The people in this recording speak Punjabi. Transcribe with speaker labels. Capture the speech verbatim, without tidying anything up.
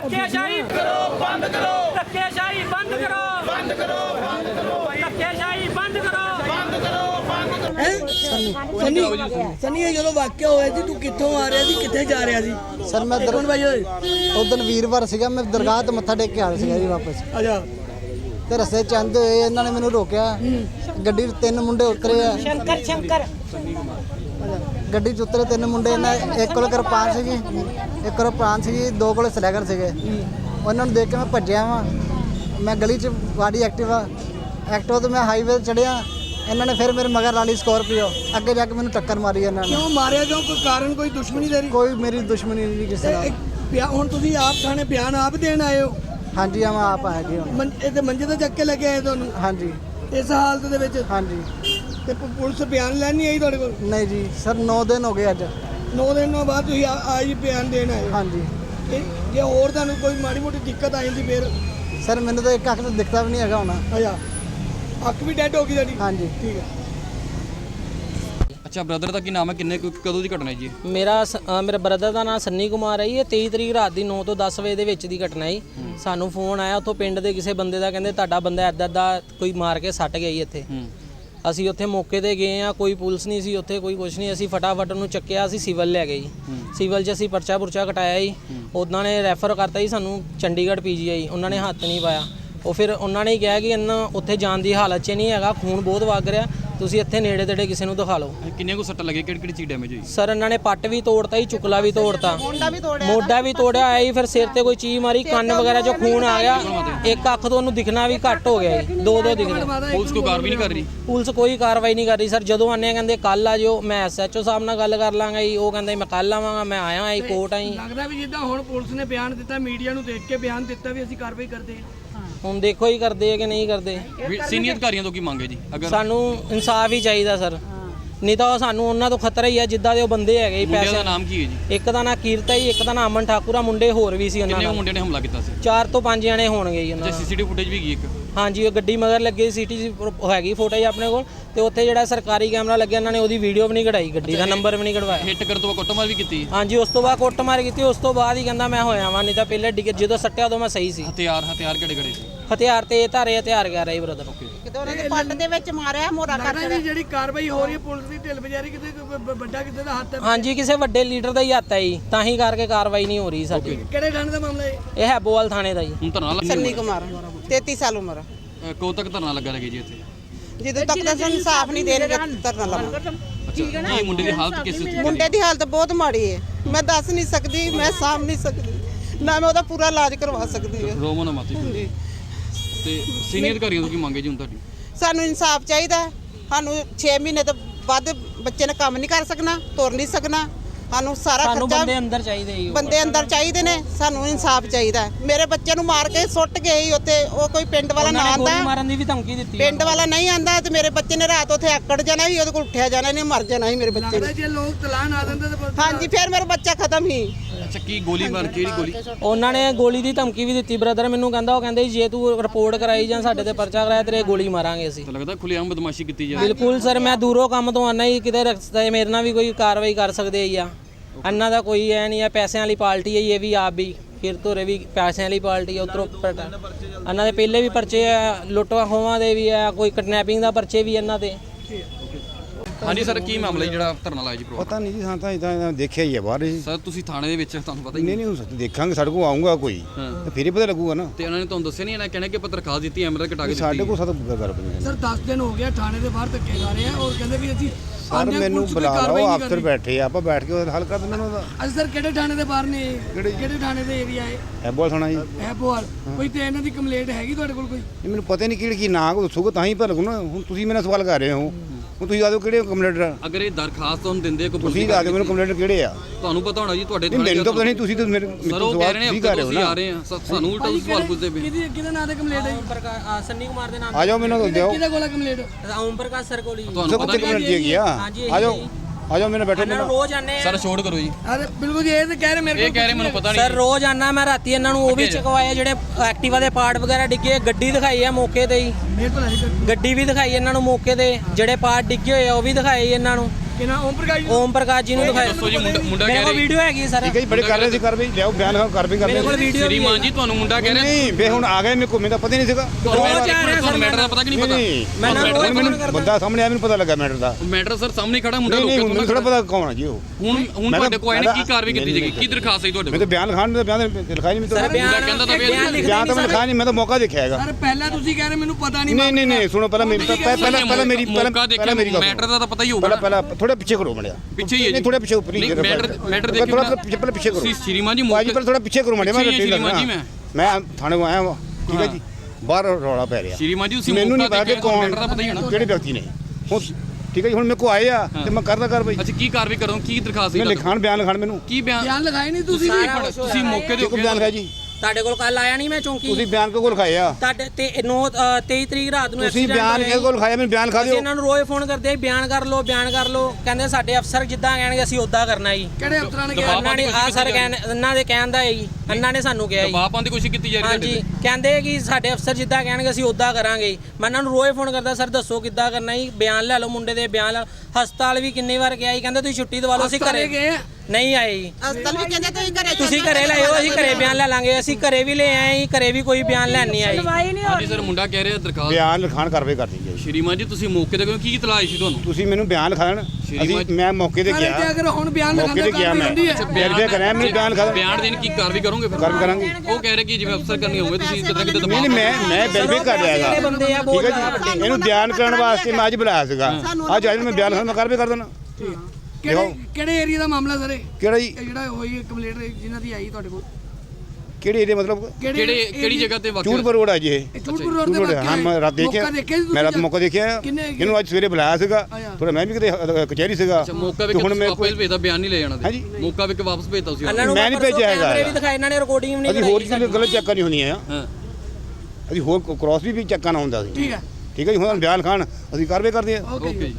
Speaker 1: ਧੱਕੇਸ਼ਾਹੀ ਕਰੋ, ਬੰਦ ਕਰੋ। ਧੱਕੇਸ਼ਾਹੀ ਬੰਦ ਕਰੋ, ਬੰਦ ਕਰੋ, ਬੰਦ ਕਰੋ। ਧੱਕੇਸ਼ਾਹੀ ਬੰਦ ਕਰੋ, ਬੰਦ ਕਰੋ, ਬੰਦ ਕਰੋ।
Speaker 2: ਸਨੀ ਸਨੀ ਇਹ ਜਦੋਂ ਵਾਕਿਆ ਹੋਇਆ ਸੀ ਤੂੰ ਕਿੱਥੋਂ ਆ ਰਿਹਾ ਸੀ, ਕਿੱਥੇ ਜਾ ਰਿਹਾ ਸੀ?
Speaker 3: ਸਰ ਮੈਂ
Speaker 2: ਕੌਣ ਭਾਈ ਓਏ?
Speaker 3: ਉਦੋਂ ਵੀਰਵਾਰ ਸੀਗਾ, ਮੈਂ ਦਰਗਾਹ ਤੇ ਮੱਥਾ ਟੇਕ ਕੇ ਆ ਰਿਹਾ ਸੀਗਾ ਜੀ ਵਾਪਸ।
Speaker 2: ਅੱਛਾ
Speaker 3: ਤੇ ਰਸਤੇ ਚ ਆਉਂਦੇ ਹੋਏ ਇਹਨਾਂ ਨੇ ਮੈਨੂੰ ਰੋਕਿਆ। ਗੱਡੀ 'ਚ ਤਿੰਨ ਮੁੰਡੇ ਉਤਰੇ ਆ।
Speaker 4: ਸ਼ੰਕਰ ਸ਼ੰਕਰ
Speaker 3: ਗੱਡੀ 'ਚ ਉਤਰੇ ਤਿੰਨ ਮੁੰਡੇ, ਇਹਨਾਂ ਇੱਕ ਕੋਲ ਕਿਰਪਾਨ ਸੀਗੀ, ਇੱਕ ਕੋਲ ਪਾਨ ਸੀਗੀ, ਦੋ ਕੋਲ ਸਲੈਗਰ ਸੀਗੇ। ਉਹਨਾਂ ਨੂੰ ਦੇਖ ਕੇ ਮੈਂ ਭੱਜਿਆ ਵਾਂ। ਮੈਂ ਗਲੀ 'ਚ ਗਾੜੀ ਐਕਟਿਵਾ ਐਕਟਿਵਾ ਤੋਂ ਮੈਂ ਹਾਈਵੇ 'ਤੇ ਚੜਿਆ। ਇਹਨਾਂ ਨੇ ਫਿਰ ਮੇਰੇ ਮਗਰ ਲਾ ਲਈ ਸਕੋਰਪੀਓ, ਅੱਗੇ ਜਾ ਕੇ ਮੈਨੂੰ ਟੱਕਰ ਮਾਰੀ ਇਹਨਾਂ ਨੇ।
Speaker 2: ਕਿਉਂ ਮਾਰਿਆ? ਕਿਉਂ? ਕੋਈ ਕਾਰਨ, ਕੋਈ ਦੁਸ਼ਮਣੀ ਤੇਰੀ?
Speaker 3: ਕੋਈ ਮੇਰੀ ਦੁਸ਼ਮਣੀ ਨਹੀਂ ਕਿਸੇ ਨਾਲ।
Speaker 2: ਬਿਆ ਹੁਣ ਤੁਸੀਂ ਆਪ ਥਾਣੇ ਬਿਆਨ ਆਪ ਦੇਣ ਆਏ ਹੋ?
Speaker 3: ਹਾਂਜੀ ਆ ਮੈਂ ਆਪ ਆਇਆ ਜੀ ਹੁਣ।
Speaker 2: ਮੰ- ਇਹ ਤੇ ਮੰਜੇ ਤੇ ਚੱਕ ਕੇ ਲੈ ਕੇ ਆਏ ਤੁਹਾਨੂੰ
Speaker 3: ਹਾਂਜੀ
Speaker 2: ਇਸ ਹਾਲਤ ਦੇ ਵਿੱਚ?
Speaker 3: ਹਾਂਜੀ।
Speaker 2: ਤੇ ਪ- ਪੁਲਿਸ ਬਿਆਨ ਲੈਣ ਨਹੀਂ ਆਈ ਤੁਹਾਡੇ ਕੋਲ?
Speaker 3: ਨਹੀਂ ਜੀ ਸਰ, ਨੌ ਦਿਨ ਹੋ ਗਏ ਅੱਜ।
Speaker 2: ਨੌ ਦਿਨਾਂ ਬਾਅਦ ਤੁਸੀਂ ਆ- ਆ ਜੀ ਬਿਆਨ ਦੇਣ ਆਏ ਹੋ?
Speaker 3: ਹਾਂਜੀ
Speaker 2: ਇਹ- ਜੇ ਹੋਰ ਤੁਹਾਨੂੰ ਕੋਈ ਮਾੜੀ ਮੋਟੀ ਦਿੱਕਤ ਆ ਜਾਂਦੀ ਫਿਰ?
Speaker 3: ਸਰ ਮੈਨੂੰ ਤਾਂ ਇੱਕ ਅੱਖ ਤੋਂ ਦਿਖਦਾ ਵੀ ਨਹੀਂ ਹੈਗਾ ਹੁਣ।
Speaker 2: ਅੱਛਾ, ਅੱਖ ਵੀ ਡੈਡ ਹੋ ਗਈ ਤੁਹਾਡੀ?
Speaker 3: ਹਾਂਜੀ
Speaker 2: ਠੀਕ ਹੈ।
Speaker 5: ਅੱਛਾ, ਬ੍ਰਦਰ ਦਾ ਕੀ ਨਾਮ ਹੈ? ਕਿੰਨੇ ਕੁ- ਕਦੋਂ ਦੀ ਘਟਨਾ ਹੈ ਜੀ?
Speaker 6: ਮੇਰਾ ਸ- ਅ, ਮੇਰੇ ਬ੍ਰਦਰ ਦਾ ਨਾਮ ਸੰਨੀ ਕੁਮਾਰ ਹੈ ਜੀ। ਇਹ ਤੇਈ ਤਰੀਕ ਰਾਤ ਦੀ ਨੌ ਤੋਂ ਦਸ ਵਜੇ ਦੇ ਵਿੱਚ ਦੀ ਘਟਨਾ ਹੈ। ਸਾਨੂੰ ਫੋਨ ਆਇਆ ਉੱਥੋਂ ਪਿੰਡ ਦੇ ਕਿਸੇ ਬੰਦੇ ਦਾ, ਕਹਿੰਦੇ ਤੁਹਾਡਾ ਬੰਦਾ ਇੱਦਾਂ ਦਾ ਕੋਈ ਮਾਰ ਕੇ ਸੱਟ ਗਿਆ ਜੀ ਇੱਥੇ। ਅਸੀਂ ਉੱਥੇ ਮੌਕੇ ਤੇ ਗਏ ਆ, ਕੋਈ ਪੁਲਿਸ ਨਹੀਂ ਸੀ ਉੱਥੇ, ਕੋਈ ਕੁਝ ਨਹੀਂ। ਅਸੀਂ ਫਟਾਫਟ ਉਹਨੂੰ ਚੱਕਿਆ, ਅਸੀਂ ਸਿਵਲ ਲੈ ਗਏ ਜੀ। ਸਿਵਲ 'ਚ ਅਸੀਂ ਪਰਚਾ ਪੁਰਚਾ ਕਟਾਇਆ ਜੀ। ਉਹਨਾਂ ਨੇ ਰੈਫਰ ਕਰਤਾ ਜੀ ਸਾਨੂੰ ਚੰਡੀਗੜ੍ਹ ਪੀਜੀਆਈ। ਉਹਨਾਂ ਨੇ ਹੱਥ ਨਹੀਂ ਪਾਇਆ। ਉਹ ਫਿਰ ਉਹਨਾਂ ਨੇ ਕਿਹਾ ਕਿ ਇਹਨਾਂ ਉੱਥੇ ਜਾਣ ਦੀ ਹਾਲਤ 'ਚ ਨਹੀਂ ਹੈਗਾ, ਖੂਨ ਬਹੁਤ ਵਗ ਰਿਹਾ, ਤੁਸੀਂ ਇੱਥੇ ਨੇੜੇ ਤੇੜੇ ਕਿਸੇ ਨੂੰ ਦਿਖਾ ਲਓ।
Speaker 5: ਕਿੰਨੇ ਕੋ ਸੱਟ ਲੱਗੇ? ਕਿਹੜੀ ਕਿਹੜੀ ਚੀਜ਼ ਡੈਮੇਜ ਹੋਈ?
Speaker 6: ਸਰ ਇਹਨਾਂ ਨੇ ਪੱਟ ਵੀ ਤੋੜਤਾ ਜੀ, ਚੁਕਲਾ ਵੀ ਤੋੜਤਾ,
Speaker 4: ਮੁੰਡਾ ਵੀ ਤੋੜਿਆ,
Speaker 6: ਮੋਢਾ ਵੀ ਤੋੜਿਆ ਹੋਇਆ ਜੀ। ਫਿਰ ਸਿਰ ਤੇ ਕੋਈ ਚੀਜ਼ ਮਾਰੀ, ਕੰਨ ਵਗੈਰਾ 'ਚੋਂ ਖੂਨ ਆ ਗਿਆ। ਇੱਕ ਅੱਖ ਤੋਂ ਉਹਨੂੰ ਦਿਖਣਾ ਵੀ ਘੱਟ ਹੋ ਗਿਆ ਜੀ, ਦੋ ਦੋ ਦਿਖਣਾ।
Speaker 5: ਪੁਲਿਸ ਕੋ ਕਾਰਵਾਈ ਨਹੀਂ ਕਰ ਰਹੀ?
Speaker 6: ਪੁਲਿਸ ਕੋਈ ਕਾਰਵਾਈ ਨਹੀਂ ਕਰ ਰਹੀ ਸਰ। ਜਦੋਂ ਆਨੇ ਕਹਿੰਦੇ ਕੱਲ ਆ ਜਿਓ, ਮੈਂ ਐਸਐਚਓ ਸਾਹਿਬ ਨਾਲ ਗੱਲ ਕਰ ਲਾਂਗਾ ਜੀ। ਉਹ ਕਹਿੰਦੇ ਮੈਂ ਕੱਲ ਆਵਾਂਗਾ। ਮੈਂ ਆਇਆ ਆਈ ਕੋਰਟ ਆਈ।
Speaker 2: ਲੱਗਦਾ ਵੀ ਜਿੱਦਾਂ ਹੁਣ ਪੁਲਿਸ ਨੇ ਬਿਆਨ ਦਿੱਤਾ, ਮੀਡੀਆ ਨੂੰ ਦੇਖ ਕੇ ਬਿਆਨ ਦਿੱਤਾ ਵੀ ਅਸੀਂ ਕਾਰਵਾਈ ਕਰਦੇ ਹਾਂ।
Speaker 6: ਹੁਣ ਦੇਖੋ ਹੀ ਕਰਦੇ ਆ ਕਿ ਨਹੀਂ ਕਰਦੇ।
Speaker 5: ਸੀਨੀਅਰ ਅਧਿਕਾਰੀਆਂ ਤੋਂ ਕੀ ਮੰਗੇ ਜੀ? ਅਗਰ
Speaker 6: ਸਾਨੂੰ ਇਨਸਾਫ ਹੀ ਚਾਹੀਦਾ ਸਰ, ਨਹੀਂ ਤਾਂ ਉਹ ਸਾਨੂੰ ਉਹਨਾਂ ਤੋਂ ਖਤਰਾ ਹੀ ਆ ਜਿੱਦਾਂ ਦੇ ਉਹ ਬੰਦੇ ਹੈਗੇ ਜੀ।
Speaker 5: ਮੁੰਡਿਆਂ ਦਾ
Speaker 6: ਪੈਸੇ,
Speaker 5: ਨਾਮ ਕੀ ਹੈ ਜੀ?
Speaker 6: ਇੱਕ ਦਾ ਨਾਂ ਕੀਰਤ ਹੈ ਜੀ, ਇੱਕ ਦਾ ਨਾਂ ਅਮਨ ਠਾਕੁਰ ਆ। ਮੁੰਡੇ ਹੋਰ ਵੀ ਸੀ ਉਹਨਾਂ
Speaker 5: ਕਿੰਨੇ
Speaker 6: ਨਾਲ,
Speaker 5: ਮੁੰਡਿਆਂ ਨੇ ਹਮਲਾ ਕੀਤਾ ਸੀ?
Speaker 6: ਚਾਰ ਤੋਂ ਪੰਜ ਜਣੇ ਹੋਣਗੇ ਜੀ ਉਹਨਾਂ
Speaker 5: ਅੱਛਾ,
Speaker 6: ਨਾਲ।
Speaker 5: ਸੀਸੀਟੀਵੀ ਫੁਟੇਜ ਵੀ ਗਈ ਇੱਕ?
Speaker 6: ਹਾਂਜੀ, ਉਹ ਗੱਡੀ ਮਗਰ ਲੱਗੀ ਸੀਟੀ ਹੈਗੀ ਫੋਟੋ ਆਪਣੇ ਕੋਲ। ਤੇ ਉੱਥੇ ਜਿਹੜਾ ਸਰਕਾਰੀ ਕੈਮਰਾ ਲੱਗਿਆ, ਇਹਨਾਂ ਨੇ ਉਹਦੀ ਵੀਡੀਓ ਵੀ ਨਹੀਂ ਕਢਾਈ, ਗੱਡੀ ਦਾ ਨੰਬਰ ਵੀ ਨਹੀਂ ਕਢਵਾਇਆ।
Speaker 5: ਹਿੱਟ ਕਰਨ ਤੋਂ ਬਾਅਦ ਕੁੱਟਮਾਰ ਵੀ ਕੀਤੀ?
Speaker 6: ਹਾਂਜੀ, ਉਸ ਤੋਂ ਬਾਅਦ ਕੁੱਟਮਾਰ ਕੀਤੀ। ਉਸ ਤੋਂ ਬਾਅਦ ਹੀ ਕਹਿੰਦਾ ਮੈਂ ਹੋਇਆ ਵਾਂ, ਨਹੀਂ ਤਾਂ ਪਹਿਲੇ ਡਿੱਗੇ ਜਦੋਂ ਸੱਟਿਆ ਉਦੋਂ ਮੈਂ ਸਹੀ ਸੀ।
Speaker 5: ਹਥਿਆਰ ਹਥਿਆਰ ਕਿਹੜੇ ਕਿਹੜੇ ਸੀ?
Speaker 6: ਹਥਿਆਰ ਤੇ ਧਾਰੇ ਹਥਿਆਰ ਗਿਆ ਰਹੀ ਬ੍ਰਦਰ।
Speaker 4: ਕਿਤੇ ਉਹਨਾਂ ਦੇ ਪੱਟ ਦੇ ਵਿੱਚ ਮਾਰਿਆ, ਮੋਰਾ ਕਰ
Speaker 2: ਲੱਗਦਾ ਜੀ ਜਿਹੜੀ ਕਾਰਵਾਈ ਹੋ ਰਹੀ ਹੈ ਪੁਲਿਸ ਦੀ ਢਿੱਲ ਬਜਾਰੀ, ਕਿਤੇ ਕੋਈ ਬ- ਵੱਡਾ ਕਿਸੇ ਦਾ ਹੱਥ ਹੈ?
Speaker 6: ਹਾਂਜੀ, ਕਿਸੇ ਵੱਡੇ ਲੀਡਰ ਦਾ ਹੀ ਹੱਥ ਹੈ ਜੀ, ਤਾਂ ਹੀ ਕਰਕੇ ਕਾਰਵਾਈ ਨਹੀਂ ਹੋ ਰਹੀ ਸਾਡੀ।
Speaker 2: ਕਿਹੜੇ ਥਾਣੇ ਦਾ ਮਾਮਲਾ ਹੈ?
Speaker 6: ਇਹ ਹੈਬੋਵਾਲ ਥਾਣੇ ਦਾ ਜੀ।
Speaker 5: ਹੁਣ ਧਰਨਾ
Speaker 4: ਸੰਨੀ ਕੁਮਾਰ ਤੇਤੀ ਸਾਲ ਉਮਰ।
Speaker 5: ਲੱਗਾ? ਕਦੋਂ ਤੱਕ ਧਰਨਾ ਲੱਗਾ ਲੱਗੇ ਜੀ ਇੱਥੇ?
Speaker 4: ਜਦੋਂ ਤੱਕ ਤਾਂ ਸਾਨੂੰ ਇਨਸਾਫ ਨਹੀਂ ਦੇਣਗੇ ਧਰਨਾ ਲਾਵਾਂਗੇ।
Speaker 5: ਅੱਛਾ, ਇਹ ਮੁੰਡੇ ਦੀ ਹਾਲਤ ਕਿਸ ਸਥਿਤੀ?
Speaker 4: ਮੁੰਡੇ ਦੀ ਹਾਲਤ ਬਹੁਤ ਮਾੜੀ ਹੈ, ਮੈਂ ਦੱਸ ਨਹੀਂ ਸਕਦੀ, ਮੈਂ ਸਾਂਭ ਨਹੀਂ ਸਕਦੀ, ਨਾ ਮੈਂ ਉਹਦਾ ਪੂਰਾ ਇਲਾਜ ਕਰਵਾ ਸਕਦੀ ਹਾਂ।
Speaker 5: ਰੋਮਨ ਮਾਤੀ
Speaker 4: ਜੀ,
Speaker 5: ਤੇ ਸੀਨੀਅਰ ਅਧਿਕਾਰੀਆਂ ਤੋਂ ਕੀ ਮੰਗੇ ਜੀ ਹੁਣ ਤੁਹਾਡੀ?
Speaker 4: ਸਾਨੂੰ ਇਨਸਾਫ ਚਾਹੀਦਾ। ਸਾਨੂੰ ਛੇ ਮਹੀਨੇ ਤੋਂ ਵੱਧ ਬੱਚੇ ਨੇ ਕੰਮ ਨਹੀਂ ਕਰ ਸਕਣਾ, ਤੁਰ ਨਹੀਂ ਸਕਣਾ। ਸਾਨੂੰ ਸਾਰਾ
Speaker 6: ਸਾਨੂੰ ਬੰਦੇ
Speaker 4: ਖਰਚਾ
Speaker 6: ਅੰਦਰ ਚਾਹੀਦੇ ਜੀ।
Speaker 4: ਬੰਦੇ ਅੰਦਰ ਚਾਹੀਦੇ ਨੇ। ਸਾਨੂੰ ਇਨਸਾਫ ਚਾਹੀਦਾ। ਮੇਰੇ ਬੱਚੇ ਨੂੰ ਮਾਰ ਕੇ ਸੁੱਟ ਗਏ ਸੀ ਉੱਥੇ। ਉਹ ਕੋਈ ਪਿੰਡ ਵਾਲਾ ਨਾ
Speaker 6: ਉਹਨਾਂ ਨੇ ਗੋਲੀ
Speaker 4: ਆਂਦਾ,
Speaker 6: ਮਾਰਨ ਦੀ ਵੀ ਧਮਕੀ ਦਿੱਤੀ।
Speaker 4: ਪਿੰਡ ਵਾਲਾ ਨਹੀਂ ਆਂਦਾ ਤੇ ਮੇਰੇ ਬੱਚੇ ਨੇ ਰਾਤ ਉੱਥੇ ਆਕੜ ਜਾਣਾ ਸੀ, ਉਹਦੇ ਕੋਲ ਉੱਠਿਆ ਜਾਣਾ ਨਹੀਂ, ਮਰ ਜਾਣਾ ਸੀ ਮੇਰੇ ਬੱਚੇ
Speaker 2: ਲੱਗਦਾ
Speaker 4: ਨੇ।
Speaker 2: ਜੇ ਲੋਕ ਤਲਾਨ ਆ ਦਿੰਦੇ ਤਾਂ ਪੁਲਿਸ-
Speaker 4: ਹਾਂਜੀ, ਫਿਰ ਮੇਰਾ ਬੱਚਾ ਖਤਮ ਹੀ।
Speaker 5: ਅੱਛਾ, ਕੀ ਗੋਲੀ ਮਾਰ ਕਿਹੜੀ ਗੋਲੀ?
Speaker 6: ਉਹਨਾਂ ਨੇ ਗੋਲੀ ਦੀ ਧਮਕੀ ਵੀ ਦਿੱਤੀ ਬ੍ਰਦਰ ਮੈਨੂੰ। ਕਹਿੰਦਾ ਉਹ ਕਹਿੰਦੇ ਜੇ ਤੂੰ ਰਿਪੋਰਟ ਕਰਾਈ ਜਾਂ ਸਾਡੇ ਤੇ ਪਰਚਾ ਕਰਾਇਆ ਤੇਰੇ ਗੋਲੀ ਮਾਰਾਂਗੇ ਅਸੀਂ।
Speaker 5: ਤਾਂ ਲੱਗਦਾ ਖੁੱਲ੍ਹੇਆਮ ਬਦਮਾਸ਼ੀ ਕੀਤੀ ਜਾ ਰਹੀ ਹੈ।
Speaker 6: ਬਿਲਕੁਲ ਸਰ, ਮੈਂ ਦੂਰੋਂ ਕੰਮ ਤੋਂ ਆਨਾ ਹੀ, ਕਿਤੇ ਰਸਤੇ ਮੇਰੇ ਨਾਲ ਵੀ ਕੋਈ ਕਾਰਵਾਈ ਕਰ ਸਕਦੇ ਆ। ਇਹਨਾਂ ਦਾ ਕੋਈ ਐ ਨਹੀਂ ਹੈ, ਪੈਸਿਆਂ ਵਾਲੀ ਪਾਰਟੀ ਹੈ ਇਹ ਵੀ, ਆਪ ਵੀ ਫਿਰ ਤੋਰੇ ਵੀ ਪੈਸਿਆਂ ਵਾਲੀ ਪਾਰਟੀ ਹੈ। ਉਧਰੋਂ ਇਹਨਾਂ ਦੇ ਪਹਿਲੇ ਵੀ ਪਰਚੇ ਆ, ਲੁੱਟਾਂ ਖੋਹਾਂ ਦੇ ਵੀ ਆ, ਕੋਈ ਕਿਡਨੈਪਿੰਗ ਦਾ ਪਰਚੇ ਵੀ ਇਹਨਾਂ ਤੇ।
Speaker 5: ਹਾਂਜੀ ਸਰ, ਕੀ ਮਾਮਲਾ ਜੀ ਜਿਹੜਾ ਧਰਨਾ ਲਾਇਆ ਜੀ ਪ੍ਰੋਗਰਾਮ?
Speaker 7: ਪਤਾ ਨਹੀਂ ਜੀ, ਸਾਨੂੰ ਤਾਂ ਇਦਾਂ ਦੇਖਿਆ ਹੀ ਹੈ ਬਾਹਰ ਹੀ।
Speaker 5: ਸਰ ਤੁਸੀਂ ਥਾਣੇ ਦੇ ਵਿੱਚ, ਤੁਹਾਨੂੰ ਪਤਾ ਹੀ
Speaker 7: ਨਹੀਂ ਨਹੀਂ ਹੁਣ ਸੱਚ ਦੇਖਾਂਗੇ, ਸਾਡੇ ਕੋਲ ਆਊਗਾ ਕੋਈ ਤੇ ਫਿਰ ਹੀ ਪਤਾ ਲੱਗੂਗਾ ਨਾ।
Speaker 5: ਤੇ ਉਹਨਾਂ ਨੇ ਤੁਹਾਨੂੰ ਦੱਸਿਆ ਨਹੀਂ? ਇਹਨਾਂ ਕਹਿੰਦੇ ਕਿ ਪੱਤਰਖਾਸ ਦਿੱਤੀ, ਐਮਰਲ ਕਟਾ ਕੇ
Speaker 7: ਸਾਡੇ
Speaker 5: ਦਿੱਤੀ।
Speaker 7: ਕੋਲ ਸਭ ਗੱਲ ਬਣੀ
Speaker 2: ਸਰ ਦਸ ਦਿਨ ਹੋ ਗਿਆ ਥਾਣੇ ਦੇ ਬਾਹਰ ਧੱਕੇ ਖਾ ਰਹੇ ਆ ਔਰ ਕਹਿੰਦੇ ਵੀ ਅਸੀਂ
Speaker 7: ਸਰ
Speaker 2: ਆਉਂਦੇ ਹਾਂ,
Speaker 7: ਮੈਨੂੰ
Speaker 2: ਪੁਲਿਸ ਕੋਈ
Speaker 7: ਬੁਲਾ
Speaker 2: ਕਾਰਵਾਈ
Speaker 7: ਲਓ,
Speaker 2: ਨਹੀਂ
Speaker 7: ਅਫਸਰ
Speaker 2: ਕਰ ਰਹੀ।
Speaker 7: ਬੈਠੇ ਆ, ਆਪਾਂ ਬੈਠ ਕੇ ਉਹਦਾ ਹੱਲ ਕਰ ਦਿੰਦੇ ਉਹਨਾਂ ਦਾ।
Speaker 2: ਅਸੀਂ ਸਰ ਕਿਹੜੇ ਥਾਣੇ ਦੇ ਬਾਹਰ ਨੇ?
Speaker 7: ਕਿਹੜੇ?
Speaker 2: ਕਿਹੜੇ ਥਾਣੇ ਦੇ ਏਰੀਆ ਹੈ?
Speaker 7: ਐਬੋਲ ਥਾਣਾ ਜੀ।
Speaker 2: ਹੈ ਬੋਲ ਕੋਈ ਤੇ ਇਹਨਾਂ ਦੀ ਕੰਪਲੇਂਟ ਹੈਗੀ ਤੁਹਾਡੇ ਕੋਲ ਕੋਈ?
Speaker 7: ਇਹ ਮੈਨੂੰ ਪਤਾ ਨਹੀਂ ਕਿਹੜੀ ਕੀ ਨਾਂ ਕੋ ਦੱਸੋਗੇ ਤਾਂ ਹੀ ਪਤਾ ਲੱਗੂ ਨਾ। ਹੁਣ ਤੁਸੀਂ ਮੇਰੇ ਨਾਲ ਸਵਾਲ ਕਰ ਰਹੇ ਹੋ, ਹੁਣ ਤੁਸੀਂ ਦੱਸੋ ਕਿਹੜੇ ਕੰਪਲੇਂਟਰ?
Speaker 5: ਅਗਰ ਇਹ ਦਰਖਾਸਤ ਤੁਹਾਨੂੰ ਦਿੰਦੇ ਕੋਈ
Speaker 7: ਤੁਸੀਂ ਦੱਸ ਦਿਓ ਮੈਨੂੰ ਕੰਪਲੇਂਟਰ ਕਿਹੜੇ ਆ।
Speaker 5: ਤੁਹਾਨੂੰ ਪਤਾ ਹੋਣਾ ਜੀ ਤੁਹਾਡੇ
Speaker 7: ਨਹੀਂ ਮੈਨੂੰ ਤਾਂ ਪਤਾ ਨਹੀਂ, ਤੁਸੀਂ ਤਾਂ ਮੇਰੇ
Speaker 5: ਸਰ ਉਹ ਕਹਿ ਰਹੇ ਨੇ
Speaker 7: ਤੁਸੀਂ
Speaker 5: ਹਫ਼ਤੇ
Speaker 7: ਕਰ ਰਹੇ
Speaker 5: ਤੋਂ
Speaker 7: ਹੋ
Speaker 5: ਅਸੀਂ ਆ
Speaker 7: ਨਾ।
Speaker 5: ਰਹੇ ਹਾਂ, ਸ- ਸਾਨੂੰ ਉਲਟਾ ਤੁਸੀਂ ਸਵਾਲ ਪੁੱਛਦੇ ਪਏ।
Speaker 2: ਕਿਹਦੀ ਕਿਹਦੇ ਨਾਂ ਤੇ ਕੰਪਲੇਂਟ ਹੈ?
Speaker 6: ਪ੍ਰਕਾਸ਼ ਸੰਨੀ ਕੁਮਾਰ ਦੇ ਨਾਮ
Speaker 7: ਆ ਜਾਓ ਮੈਨੂੰ ਦੱਸ ਦਿਓ।
Speaker 2: ਕਿਹਦੇ ਕੋਲ ਕੰਪਲੇਂਟ?
Speaker 6: ਓਮ ਪ੍ਰਕਾਸ਼ ਸਰ ਕੋਲ ਹੀ।
Speaker 5: ਤੁਹਾਨੂੰ ਪਤਾ
Speaker 7: ਕਿੱਥੇ ਕੰਪਲੇਂਟ ਕੀ ਆ?
Speaker 6: ਹਾਂਜੀ,
Speaker 7: ਆ ਜਾਓ ਆ ਜਾਓ ਮੇਰੇ ਬੈਠੋ
Speaker 6: ਇਹਨਾਂ ਨੂੰ ਰੋਜ਼ ਆਨੇ
Speaker 5: ਸਰ ਛੋੜ ਕਰੋ ਜੀ।
Speaker 2: ਅਰੇ ਬਿਲਕੁਲ ਜੀ, ਇਹ ਤਾਂ ਕਹਿ ਰਹੇ ਮੇਰੇ ਕੋਲ
Speaker 5: ਇਹ ਕਹਿ ਰਹੇ ਮੈਨੂੰ ਪਤਾ
Speaker 6: ਸਰ
Speaker 5: ਨਹੀਂ।
Speaker 6: ਰੋਜ਼ ਆਨਾ ਮੈਂ ਰਾਤੀ ਇਹਨਾਂ ਨੂੰ ਉਹ ਵੀ ਚਕਵਾਏ ਜਿਹੜੇ ਐਕਟਿਵਾ ਦੇ ਪਾਰਟ ਵਗੈਰਾ ਡਿੱਗੇ। ਗੱਡੀ ਦਿਖਾਈ ਆ ਮੌਕੇ ਤੇ ਹੀ,
Speaker 2: ਮੇਰੇ ਤੋਂ ਲੈ
Speaker 6: ਗੱਡੀ ਵੀ ਦਿਖਾਈ ਇਹਨਾਂ ਨੂੰ ਮੌਕੇ ਤੇ, ਜਿਹੜੇ ਪਾਰਟ ਡਿੱਗੇ ਹੋਏ ਆ ਉਹ ਵੀ ਦਿਖਾਏ ਇਹਨਾਂ ਨੂੰ।
Speaker 2: ਕਿਹਨਾਂ ਓਮ ਪ੍ਰਕਾਸ਼
Speaker 6: ਓਮ ਪ੍ਰਕਾਸ਼ ਜੀ ਨੂੰ ਦਿਖਾਇਆ
Speaker 5: ਦੱਸੋ ਜੀ ਮੁੰਡਾ ਮੁੰਡਾ
Speaker 6: ਮੇਰੇ
Speaker 5: ਕਹਿ
Speaker 6: ਕੋਲ
Speaker 5: ਰਿਹਾ
Speaker 6: ਵੀਡੀਓ ਹੈਗੀ ਸਰ
Speaker 7: ਠੀਕ ਹੈ ਜੀ ਬੜੇ ਕਰ ਰਹੇ ਸੀ ਕਰ ਵੀ ਲਿਆਓ ਬਿਆਨ ਕਰ ਵੀ ਕਰ
Speaker 6: ਮੇਰੇ ਕੋਲ
Speaker 7: ਰਹੇ
Speaker 6: ਵੀਡੀਓ ਵੀ
Speaker 5: ਸ਼੍ਰੀਮਾਨ ਜੀ ਤੁਹਾਨੂੰ ਮੁੰਡਾ ਕਹਿ ਰਿਹਾ
Speaker 7: ਨਹੀਂ ਵੇ ਹੁਣ ਆ ਗਏ ਮੇਰੇ ਕੋਲ ਮੈਨੂੰ ਤਾਂ ਪਤਾ ਹੀ ਨਹੀਂ ਸੀਗਾ
Speaker 6: ਰੋਜ਼ ਆ ਰਿਹਾ ਸਰ
Speaker 5: ਮੈਟਰ ਦਾ ਪਤਾ ਕਿ ਨਹੀਂ ਪਤਾ
Speaker 7: ਨਹੀਂ
Speaker 6: ਮੈਂ ਨਾ ਰੋਜ਼
Speaker 7: ਮੈਨੂੰ
Speaker 6: ਫੋਨ ਕਰਦਾ
Speaker 7: ਬੰਦਾ ਸਾਹਮਣੇ ਆ ਮੈਨੂੰ ਪਤਾ ਲੱਗਾ ਮੈਟਰ ਦਾ
Speaker 5: ਮੈਟਰ ਸਰ ਸਾਹਮਣੇ ਖੜਾ ਮੁੰਡਾ
Speaker 7: ਨਹੀਂ ਨਹੀਂ
Speaker 5: ਲੋਕਾਂ
Speaker 7: ਮੈਨੂੰ ਥੋੜਾ ਪਤਾ ਕੌਣ ਆ ਜੀ ਉਹ
Speaker 5: ਹੁਣ ਹੁਣ
Speaker 7: ਮੈਂ
Speaker 5: ਤੁਹਾਡੇ
Speaker 7: ਤਾਂ-
Speaker 5: ਕੋਲ ਆਏ ਨੇ
Speaker 7: ਮੈਂ
Speaker 5: ਕੀ
Speaker 7: ਤਾਂ-
Speaker 5: ਕਾਰਵਾਈ ਕੀਤੀ
Speaker 7: ਨਹੀਂ,
Speaker 5: ਜਾਏਗੀ ਕੀ ਦਰਖਾਸਤ ਹੈ ਤੁਹਾਡੇ
Speaker 7: ਮੈਂ
Speaker 5: ਕੋਲ
Speaker 7: ਤਾਂ ਬਿਆਨ ਲਿਖਾਣ ਦਾ ਬਿਆਨ ਲਿਖਾਈ ਨਹੀਂ
Speaker 6: ਸਰ
Speaker 7: ਮੈਨੂੰ
Speaker 6: ਬਿਆਨ
Speaker 5: ਕਹਿੰਦਾ ਤਾਂ
Speaker 6: ਬਿਆਨ ਲਿਖਦੇ
Speaker 7: ਬਿਆਨ ਤਾਂ ਮੈਂ
Speaker 6: ਨਹੀਂ
Speaker 7: ਲਿਖਾ ਨਹੀਂ ਮੈਂ ਤਾਂ ਮੌਕਾ ਦੇਖਿਆ ਹੈਗਾ
Speaker 2: ਸਰ ਪਹਿਲਾਂ ਤੁਸੀਂ ਕਹਿ ਰਹੇ ਮੈਨੂੰ ਪਤਾ ਨਹੀਂ
Speaker 7: ਨਹੀਂ ਨਹੀਂ ਨਹੀਂ ਸੁਣੋ ਪਹਿਲਾਂ ਮੇਰੀ ਪਹਿਲਾਂ ਪਹਿਲਾਂ ਮੇਰੀ
Speaker 5: ਮੌਕਾ
Speaker 7: ਪਹਿਲਾਂ
Speaker 5: ਦੇਖਿਆ
Speaker 7: ਮੇਰੀ ਗੱਲ
Speaker 5: ਮੈਟਰ ਦਾ ਤਾਂ ਪਤਾ ਹੀ ਹੋਊਗਾ
Speaker 7: ਪਹਿਲਾਂ ਪਹਿਲਾਂ ਥੋੜਾ ਪਿੱਛੇ ਕਰੋ ਮੜਿਆ
Speaker 5: ਪਿੱਛੇ ਹੀ ਹੈ
Speaker 7: ਨਹੀਂ
Speaker 5: ਜੀ
Speaker 7: ਥੋੜਾ ਪਿੱਛੇ ਉੱਪਰ ਹੀ
Speaker 5: ਮੈਟਰ ਮੈਟਰ ਦੇਖਿਓ
Speaker 7: ਥੋੜਾ ਪਿੱਛੇ ਪਹਿਲਾਂ ਪਿੱਛੇ ਕਰੋ
Speaker 5: ਤੁਸੀਂ ਸ਼੍ਰੀਮਾਨ ਜੀ
Speaker 7: ਬਾਜੀ ਪਰ ਥੋੜਾ ਪਿੱਛੇ ਕਰੋ ਮੜਿਆ ਮੈਂ
Speaker 5: ਪਿੱਛੇ ਹੀ ਹੈ ਸ਼੍ਰੀਮਾਨ ਜੀ ਮੈਂ
Speaker 7: ਮੈਂ ਥਾਣੇ ਕੋ ਆਇਆ ਵਾ ਠੀਕ ਹੈ ਜੀ ਬਾਹਰ ਰੌਲਾ ਪੈ ਰਿਹਾ
Speaker 5: ਸ਼੍ਰੀਮਾਨ ਜੀ ਤੁਸੀਂ
Speaker 7: ਮੈਨੂੰ ਨਹੀਂ ਪਤਾ ਕਿ ਕੌਣ
Speaker 5: ਮੈਟਰ ਦਾ ਪਤਾ ਹੀ ਹੋਣਾ
Speaker 7: ਕਿਹੜੇ ਵਿਅਕਤੀ ਨੇ ਹੁਣ ਠੀਕ ਹੈ ਜੀ ਹੁਣ ਮੇਰੇ ਕੋ ਆਏ ਆ ਤੇ ਮੈਂ ਕਰਦਾ ਕਰ ਬਈ
Speaker 5: ਅੱਛਾ ਕੀ ਕਾਰਵਾਈ ਕਰੋ ਕੀ ਦਰਖਾਸਤ
Speaker 7: ਮੈਂ
Speaker 5: ਹੈ
Speaker 7: ਲਿਖਾਣ ਬਿਆਨ ਲਿਖਾਣ ਮੈਨੂੰ
Speaker 5: ਕੀ ਬਿਆਨ
Speaker 2: ਬਿਆਨ ਲਗਾਏ ਨਹੀਂ ਤੁਸੀਂ ਵੀ
Speaker 5: ਤੁਸੀਂ ਮੌਕੇ ਦੇ
Speaker 7: ਕਿਉਂ ਬਿਆਨ ਲਿਖਾਇਆ ਜੀ
Speaker 6: ਤੁਹਾਡੇ ਕੋਲ ਕੱਲ ਆਇਆ ਨਹੀਂ ਮੈਂ ਚੌਂਕੀ
Speaker 7: ਤੁਸੀਂ ਬਿਆਨ ਕਿਉਂ ਲਿਖਾਏ ਆ
Speaker 6: ਤੁਹਾਡੇ ਤੇ ਨੌ ਤੇਈ ਤਰੀਕ ਰਾਤ ਨੂੰ
Speaker 7: ਤੁਸੀਂ
Speaker 6: accident
Speaker 7: ਬਿਆਨ
Speaker 6: ਹੋਇਆ
Speaker 7: ਕਿਹਦੇ ਕੋਲ ਲਿਖਾਇਆ ਮੈਨੂੰ ਬਿਆਨ ਲਿਖਾ
Speaker 6: ਅਸੀਂ
Speaker 7: ਦਿਓ
Speaker 6: ਇਹਨਾਂ ਨੂੰ ਰੋਜ਼ ਫੋਨ ਕਰਦੇ ਆ ਬਿਆਨ ਕਰ ਲਓ ਬਿਆਨ ਕਰ ਲਓ ਕਹਿੰਦੇ ਸਾਡੇ ਅਫਸਰ ਜਿੱਦਾਂ ਕਹਿਣਗੇ ਅਸੀਂ ਉਦਾਂ ਕਰਨਾ ਜੀ
Speaker 2: ਕਿਹੜੇ ਅਫਸਰਾਂ ਨੇ ਕਿਹਾ
Speaker 5: ਦਬਾਅ
Speaker 6: ਇਹਨਾਂ ਨੇ ਆ ਸਰ ਕਹਿਣ ਇਹਨਾਂ ਦੇ ਕਹਿਣ ਦਾ ਹੈ ਜੀ ਇਹਨਾਂ ਨੇ ਸਾਨੂੰ ਕਿਹਾ ਜੀ
Speaker 5: ਦਬਾਅ ਪਾਉਣ ਦੀ ਕੋਸ਼ਿਸ਼ ਕੀਤੀ ਜਾ ਰਹੀ
Speaker 6: ਹਾਂਜੀ
Speaker 5: ਹੈ
Speaker 6: ਕਹਿੰਦੇ ਕਿ ਸਾਡੇ ਅਫਸਰ ਜਿੱਦਾਂ ਕਹਿਣਗੇ ਅਸੀਂ ਉਦਾਂ ਕਰਾਂਗੇ ਮੈਂ ਇਹਨਾਂ ਨੂੰ ਰੋਜ਼ ਫੋਨ ਕਰਦਾ ਸਰ ਦੱਸੋ ਕਿੱਦਾਂ ਕਰਨਾ ਜੀ ਬਿਆਨ ਲੈ ਲਓ ਮੁੰਡੇ ਦੇ ਬਿਆਨ ਲੈ ਲਓ। ਹਸਪਤਾਲ ਵੀ ਕਿੰਨੀ ਵਾਰ ਗਿਆ ਜੀ ਕਹਿੰਦੇ ਤੁਸੀਂ ਛੁੱਟੀ ਦਵਾ ਲਓ ਅਸੀਂ ਘਰੇ
Speaker 2: ਗਏ ਆ?
Speaker 6: ਨਹੀਂ ਆਏ ਜੀ
Speaker 4: ਹਸਪਤਾਲ ਵੀ ਕਹਿੰਦੇ ਤੁਸੀਂ ਘਰੇ
Speaker 6: ਤੁਸੀਂ ਘਰੇ ਲੈ ਆਓ ਅਸੀਂ ਘਰੇ ਬਿਆਨ ਲੈ ਲਾਂਗੇ ਅਸੀਂ ਘਰੇ ਵੀ ਲੈ ਆਏ ਜੀ ਘਰੇ ਵੀ ਕੋਈ ਬਿਆਨ ਲੈਣ ਨਹੀਂ ਆਈ
Speaker 5: ਹਾਂਜੀ ਸਰ ਮੁੰਡਾ ਕਹਿ ਰਿਹਾ ਦਰਖਾਸਤ
Speaker 7: ਬਿਆਨ ਲਿਖਾਣ ਕਾਰਵਾਈ ਕਰ ਦਈਏ
Speaker 5: ਸ਼੍ਰੀਮਾਨ ਜੀ ਤੁਸੀਂ ਮੌਕੇ ਤੇ ਕੀ ਇਤਲਾਹ ਸੀ ਤੁਹਾਨੂੰ
Speaker 7: ਤੁਸੀਂ ਮੈਨੂੰ ਬਿਆਨ ਲਿਖਾਣ ਅਸੀਂ ਮੈਂ ਮੌਕੇ ਤੇ
Speaker 2: ਨਾਲੇ ਤੇ
Speaker 7: ਗਿਆ
Speaker 2: ਅਗਰ ਹੁਣ ਬਿਆਨ
Speaker 7: ਮੌਕੇ
Speaker 2: ਲਗਾਉਂਦੇ
Speaker 7: ਤੇ ਗਿਆ ਮੈਂ
Speaker 2: ਹੁੰਦੀ ਹੈ
Speaker 7: ਵੈਰੀਫਾਈ ਕਰਿਆ ਮੈਨੂੰ ਬਿਆਨ ਲਿਖਾ
Speaker 5: ਬਿਆਨ ਦੇਣ ਕੀ ਕਾਰਵਾਈ ਕਰੋਗੇ ਫਿਰ
Speaker 7: ਕਰ ਕਰਾਂਗੇ
Speaker 5: ਉਹ ਕਹਿ ਰਹੇ ਕਿ ਜਿਵੇਂ ਅਫਸਰ ਕਰਨੀ ਹੋਵੇ ਤੁਸੀਂ ਕਿਤੇ ਕਿਤੇ
Speaker 7: ਨਹੀਂ ਨਹੀਂ ਮੈਂ ਮੈਂ ਵੈਰੀਫਾਈ ਕਰ ਰਿਹਾ
Speaker 6: ਜਿਹੜੇ
Speaker 7: ਹੈਗਾ
Speaker 6: ਬੰਦੇ ਆ ਬਹੁਤ
Speaker 7: ਠੀਕ
Speaker 6: ਜ਼ਿਆਦਾ
Speaker 7: ਹੈ
Speaker 6: ਵੱਡੇ
Speaker 7: ਜੀ ਇਹਨੂੰ ਬਿਆਨ ਕਰਨ ਵਾਸਤੇ ਮੈਂ ਅੱਜ ਬੁਲਾਇਆ ਸੀਗਾ ਅੱਜ ਅੱਜ ਮੈਂ ਬਿਆਨ ਲਿਖਾਣ ਮੈਂ ਕਾਰਵਾਈ ਕਰ ਦੇਣਾ
Speaker 2: ਕਿਹੜੇ ਕਿਹੜੇ ਏਰੀਆ ਦਾ ਮਾਮਲਾ ਸਰ ਇਹ
Speaker 7: ਕਿਹੜਾ ਜੀ
Speaker 2: ਇਹ ਜਿਹੜਾ ਹੋਈ ਕੰਪਲੇਂਟ ਜਿਨ੍ਹਾਂ ਦੀ ਆਈ ਤੁਹਾਡੇ ਕੋਲ
Speaker 7: ਕਿਹੜੇ ਏਰੀਆ ਮਤਲਬ
Speaker 5: ਕਿਹੜੇ ਕਿਹੜੀ ਜਗ੍ਹਾ ਤੇ ਵਾਕਿਆ
Speaker 7: ਚੂੜਪੁਰ ਰੋਡ ਆ ਜੀ ਇਹ
Speaker 2: ਇਹ ਚੂੜਪੁਰ ਰੋਡ ਦੇ
Speaker 7: ਚੂੜਪੁਰ
Speaker 2: ਵਾਕਿਆ
Speaker 7: ਹਾਂ ਮੈਂ ਰਾਤ ਦੇਖਿਆ
Speaker 2: ਮੌਕਾ ਦੇਖਿਆ ਸੀ ਤੁਸੀਂ
Speaker 7: ਮੈਂ ਰਾਤ
Speaker 2: ਜਾ-
Speaker 7: ਮੌਕਾ ਦੇਖਿਆ
Speaker 2: ਕਿੰਨੇ
Speaker 7: ਇਹਨੂੰ ਅੱਜ ਸਵੇਰੇ ਬੁਲਾਇਆ ਸੀਗਾ
Speaker 2: ਅੱਛਾ।
Speaker 7: ਥੋੜਾ ਮੈਂ ਵੀ ਕਿਤੇ ਅ, ਕਚਹਿਰੀ ਸੀਗਾ
Speaker 5: ਅੱਛਾ ਮੌਕਾ
Speaker 7: ਤੇ
Speaker 5: ਵੇਖ
Speaker 7: ਹੁਣ
Speaker 5: ਕੇ
Speaker 7: ਮੈਂ
Speaker 5: ਵਾਪਸ
Speaker 7: ਕੋਈ
Speaker 5: ਭੇਜਦਾ ਬਿਆਨ ਨਹੀਂ ਲੈ ਜਾਣਾ
Speaker 7: ਹਾਂਜੀ।
Speaker 5: ਮੌਕਾ ਵੇਖ ਕੇ ਵਾਪਸ ਭੇਜਤਾ ਸੀ
Speaker 6: ਇਹਨਾਂ ਨੂੰ
Speaker 7: ਮੈਂ ਨਹੀਂ
Speaker 6: ਪਰਸੋਂ
Speaker 7: ਭੇਜਿਆ ਹੈਗਾ।
Speaker 6: ਕੈਮਰੇ ਵੀ ਦਿਖਾਏ ਇਹਨਾਂ ਨੇ ਰਿਕਾਰਡਿੰਗ ਵੀ ਨਹੀਂ
Speaker 7: ਅਸੀਂ ਹੋਰ
Speaker 6: ਕਰਾਈ
Speaker 7: ਕਿਸੇ ਗਲਤ ਚੈੱਕ ਨਹੀਂ ਹੁੰਦੀਆਂ ਆ
Speaker 5: ਹਾਂ
Speaker 7: ਅਸੀਂ ਹੋਰ ਕ੍ਰਾਸ ਵੀ ਵੀ ਚੈੱਕ ਕਰਨਾ ਹੁੰਦਾ ਸੀ
Speaker 2: ਠੀਕ ਹੈ
Speaker 7: ਠੀਕ ਹੈ ਜੀ ਹੁਣ ਬਿਆਨ ਖਾਨ ਅਸੀਂ ਕਾਰਵਾਈ ਕਰਦੇ ਆ
Speaker 2: ਓਕੇ
Speaker 5: ਓਕੇ ਜੀ